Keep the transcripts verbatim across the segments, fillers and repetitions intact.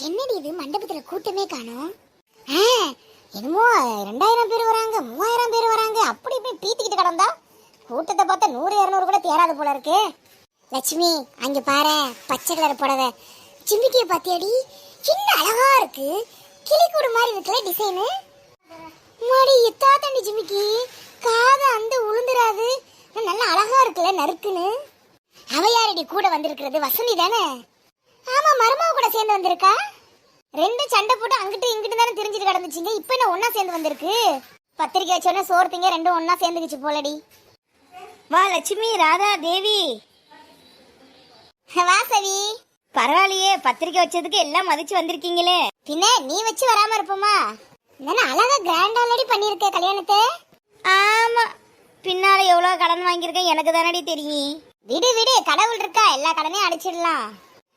என்னடி இது மண்டபத்துல கூட்டமே காணோம். என்னமோ ரெண்டாயிரம் பேர் வராங்க, மூவாயிரம் பேர் வராங்க, அப்படி இப்படி பீத்திக்கிட்டு கிடந்தா கூட்டத்தை பார்த்தா நூறு இருநூறு கூட தேராது போல இருக்கு. லட்சுமி அங்க பாரு, பச்சை கலர் புடவை சிம்பிக்கிய பாத்தியாடி, சின்ன அழகா இருக்கு, கிளிக்கூடு மாதிரி இருக்குல்ல டிசைனு. மாடி எத்தா தண்டி ஜிமிக்கி, காது அந்த உளுந்துராது, நல்லா அழகா இருக்குல்ல நறுக்குன்னு. அவ யாரடி கூட வந்திருக்கிறது? வசந்தி தானே? ஆமா, மருமக கூட சேர்ந்து வந்திருக்கா. ரெண்டு சண்டை போட்டு அங்கிட்டு இங்கிட்டு தானே தெரிஞ்சுட்டு கிடந்துச்சிங்க, இப்ப என்ன ஒன்னா சேர்ந்து வந்திருக்கு. பத்திரிக்கை வச்சோடனே சோர்த்திங்க ரெண்டும் ஒன்னா சேர்ந்துக்குச்சு போலடி. வா லட்சுமி, ராதா, தேவி. வா சவி. பரவாயில்லையே, பத்திரிக்கை வச்சதுக்கு எல்லாம் மதிச்சு வந்திருக்கீங்களே. பின்ன நீ வச்சு வராம இருப்போமா? என்ன அழகா கிராண்ட் ஆல்ரெடி பண்ணிருக்க கல்யாணத்தை. ஆமா, பின்னால எவ்வளவு கடன் வாங்கியிருக்கேன் எனக்கு தானடி தெரியும். விடு விடு, கடவுள் இருக்கா, எல்லா கடனையும் அடிச்சிடலாம்.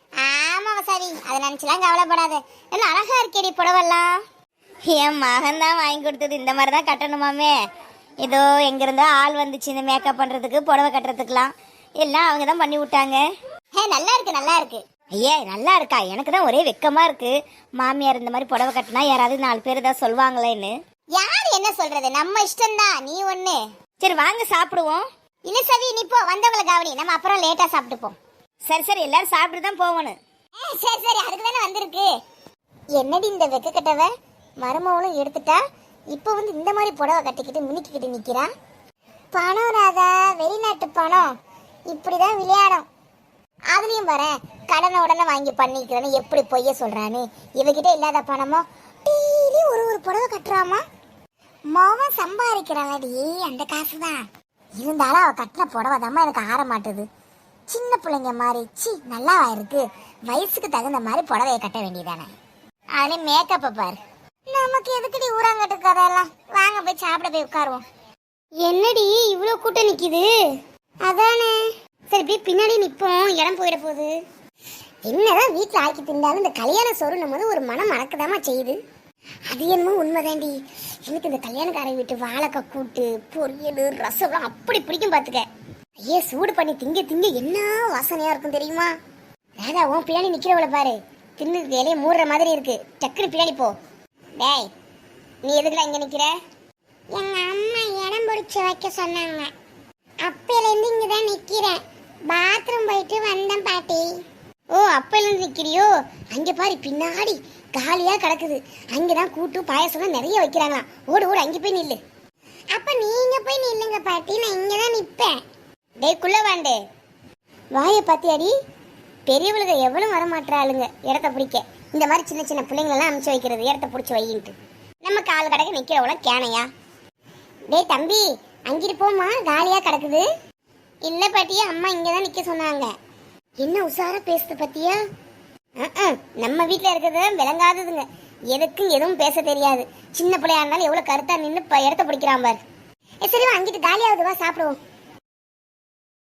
ஆமா வசாவி, அதை நினைச்சலாம் கவலைப்படாத. என்ன அழகா இருக்கேடி புடவெல்லாம். என் மகன் தான் வாங்கி கொடுத்தது, இந்த மாதிரி தான் கட்டணுமாமே. ஏதோ எங்க இருந்தோ ஆள் வந்துச்சு இந்த மேக்கப் பண்றதுக்கு, புடவை கட்டுறதுக்குலாம் எல்லாம் அவங்க தான் பண்ணி விட்டாங்க. ஹே, நல்லா இருக்கு நல்லா இருக்கு. ஐயே நல்லா இருக்கா? எனக்கு தான் ஒரே வெக்கமா இருக்கு. மாமியார் இந்த மாதிரி புடவை கட்டினா யாராவது நாலு பேர் ஏதாவது சொல்லுவாங்களேன்னு. யார் என்ன சொல்றது, நம்ம இஷ்டம்தான். நீ ஒண்ணு. சரி வாங்க சாப்பிடுவோம். இல்ல சவி, நீ போ, வந்தவங்கள கவனி, நம்ம அப்புறம் லேட்டா சாப்பிட்டுப்போம். சரி சரி, எல்லாரும் சாப்பிட்டு தான் போகணும். சரி சரி, அதுக்கு தானே வந்திருக்கு. என்னடி இந்த வெக்க கட்டவ மருமவளும் எடுத்துட்டா, இப்ப வந்து இந்த மாதிரி புடவை கட்டிக்கிட்டு மினிக்கிட்டு நிக்கிறா. பணம் ராதா, வெளிநாட்டு பணம் இப்படிதான் விளையாடும். அதுலயும் பாரு, கடனை உடனே வாங்கி பண்ணிக்கிறேன்னு எப்படி பொய்ய சொல்றான்னு. இவகிட்ட இல்லாத பணமோ டீலி ஒரு ஒரு புடவை கட்டுறாமா. மோவன் சம்பாதிக்கிறாளடி அந்த காசுதான். இருந்தாலும் அவ கட்டின புடவை தாம்மா எனக்கு ஆற மாட்டுது. சின்ன பிள்ளைங்க மாதிரி சி நல்லாவா இருக்கு. வயசுக்கு தகுந்த மாதிரி புடவையை கட்ட வேண்டியதானே. அதுல மேக்கப்ப பாரு. நமக்கு எதுக்குடி ஊராங்கட்டு கதையெல்லாம். வாங்க போய் சாப்பிட போய் உட்காருவோம். என்னடி இவ்வளவு கூட்டம் நிக்குது? அதானே. சரி போய் பின்னாடி நிப்போம், இடம் போயிட போகுது. என்னதான் வீட்டுல ஆக்கி திண்டாலும் இந்த கல்யாண சொருணும் போது ஒரு மனம் மறக்கதாமா செய்யுது. அது என்னமோ உண்மைதாண்டி. எனக்கு இந்த கல்யாணக்காரன் வீட்டு வாழைக்காய் கூட்டு, பொரியல், ரசம் அப்படி பிடிக்கும் பாத்துக்க. ஐயே, சூடு பண்ணி திங்க திங்க என்ன வாசனையா இருக்கும் தெரியுமா? ராதா, உன் பின்னாடி நிக்கிறவளை பாரு, தின்னு வேலையை மூடுற மாதிரி இருக்கு. டக்குனு பின்னாடி போ. டேய், நீ எதுக்குடா இங்க நிக்கிற? எங்க அம்மா இடம் பிடிச்சு வைக்க சொன்னாங்க, அப்பையில இருந்து இங்கதான் நிக்கிறேன். பாத்ரூம் போயிட்டு வந்தேன் பாட்டி. ஓ, அப்பையில இருந்து நிக்கிறியோ? அங்க பாரு, பின்னாடி காலியா கிடக்குது. அங்கதான் கூட்டு பாயசம் நிறைய வைக்கிறாங்களாம். ஓடு ஓடு, அங்க போய் நில்லு. அப்ப நீங்க போய் நில்லுங்க பாட்டி, நான் இங்கதான் நிப்பேன். டேய் குள்ள வாண்டே, வாய பாத்தியாடி, பெரியவளுங்க எவ்வளவு வரமாட்டாளுங்க இடத்த பிடிக்க. இந்த மாதிரி சின்ன சின்ன பிள்ளைங்களெல்லாம் அனுப்பிச்சு வைக்கிறது, இடத்த பிடிச்சி வையின்ட்டு. நம்ம கால் கடக்க நிக்கிறவள கேனையா? டேய் தம்பி, அங்கிட்டு போமா, காலியா கிடக்குது. இல்ல பாட்டியா, அம்மா இங்கதான் நிக்க சொன்னாங்க. என்ன உசாரா பேசுது பத்தியா? நம்ம வீட்டுல இருக்கிறது விளங்காததுங்க, எதுக்கும் எதுவும் பேச தெரியாது. சின்ன பிள்ளையா இருந்தாலும் எவ்வளவு கருத்தா நின்று இடத்த பிடிக்கிறான் பாரு. சரி, அங்கிட்டு காலியாவது வா, சாப்பிடுவோம்.